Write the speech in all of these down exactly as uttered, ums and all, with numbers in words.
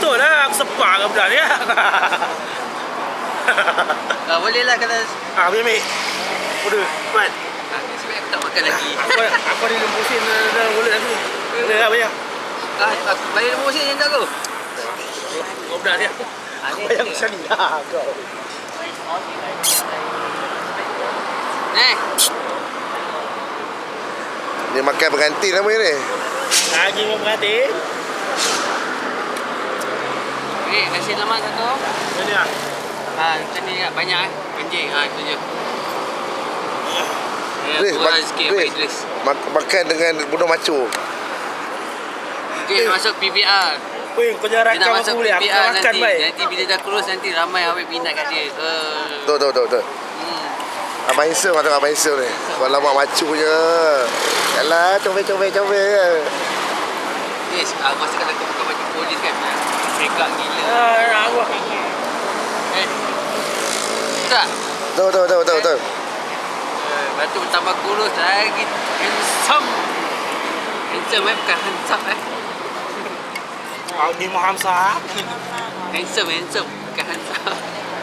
Betul lah, aku sepak ke budak ni. Ah, boleh lah kalau Ah, ambil ambil. Udah, buat. ah, sebab aku tak makan lagi. Aku aku ada lembu sin dalam mulut aku. Boleh lah bayar. Ah, aku bayar nombor sen tak aku? Kau budak dia. Ah, ni Bayar ni. macam ni lah kau. Eh, Dia makan pengantin namanya ni. Lagi mau berhati. okey, nasi lemak satu. Ini lah. Ah, macam ni kat banyak eh. Anjing, ah itu je. Ya, Idris, kurang mak- sikit Abang Idris. Idris. Mak- makan dengan bunuh maco. Dia masuk P V R. Weh, kau jangan Dia nak rakam masuk aku boleh. P Aku V R nak makan nanti. baik. Nanti bila dah kurus nanti ramai awak minat kat dia. Uh, Betul, betul, betul, betul. hmm. Abang handsome lah tengok Abang handsome ni. Kalau mak macu je. Yalah, comel-comel-comel. Yes, aku rasa kalau kau pakai baju polis kan, megak gila. Ah, nak aku. Eh. Tak. Betul, betul, betul, betul, betul. Eh, lepas tu bertambah kurus lagi handsome. Handsome eh, bukan handsome eh. Ah, ni Muhammad Sah. Handsome, handsome, bukan handsome.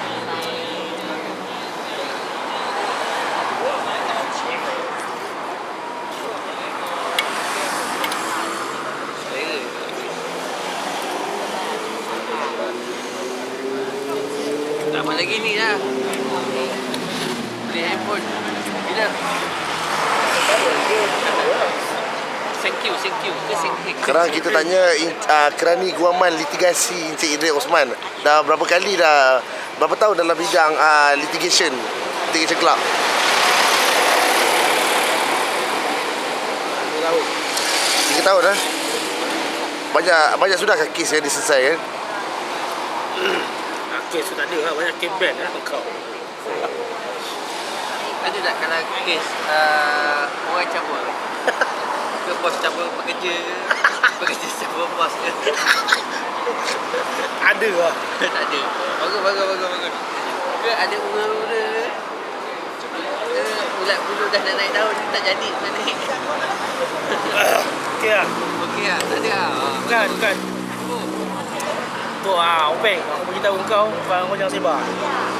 Tak apa lagi ni lah. Beli handphone. Bila? Thank you, thank you. Ke thank you. Sekarang kita tanya uh, kerani guaman litigasi Encik Idris Osman. Dah berapa kali dah, berapa tahun dalam bidang uh, litigation, litigation club? Tiga tahun dah. Banyak banyak sudah ke kes yang diselesaikan? Kes tu tak ada lah. Banyak kes ban lah kau. Ada tak kalau kes uh, orang cabut? Ke bos cabut pekerja ke? Pekerja cabut bos ke? Ada lah. Tak ada. Bagus, bagus, bagus, bagus. Ke ada muda-muda ke? Ke ulat bulu dah nak naik daun tak jadi nak naik? Okey lah. Okey lah, tak ada lah. Ah, Bukan, bukan. oh. Tu ah, Openg. Aku beritahu kau, kau jangan sebar.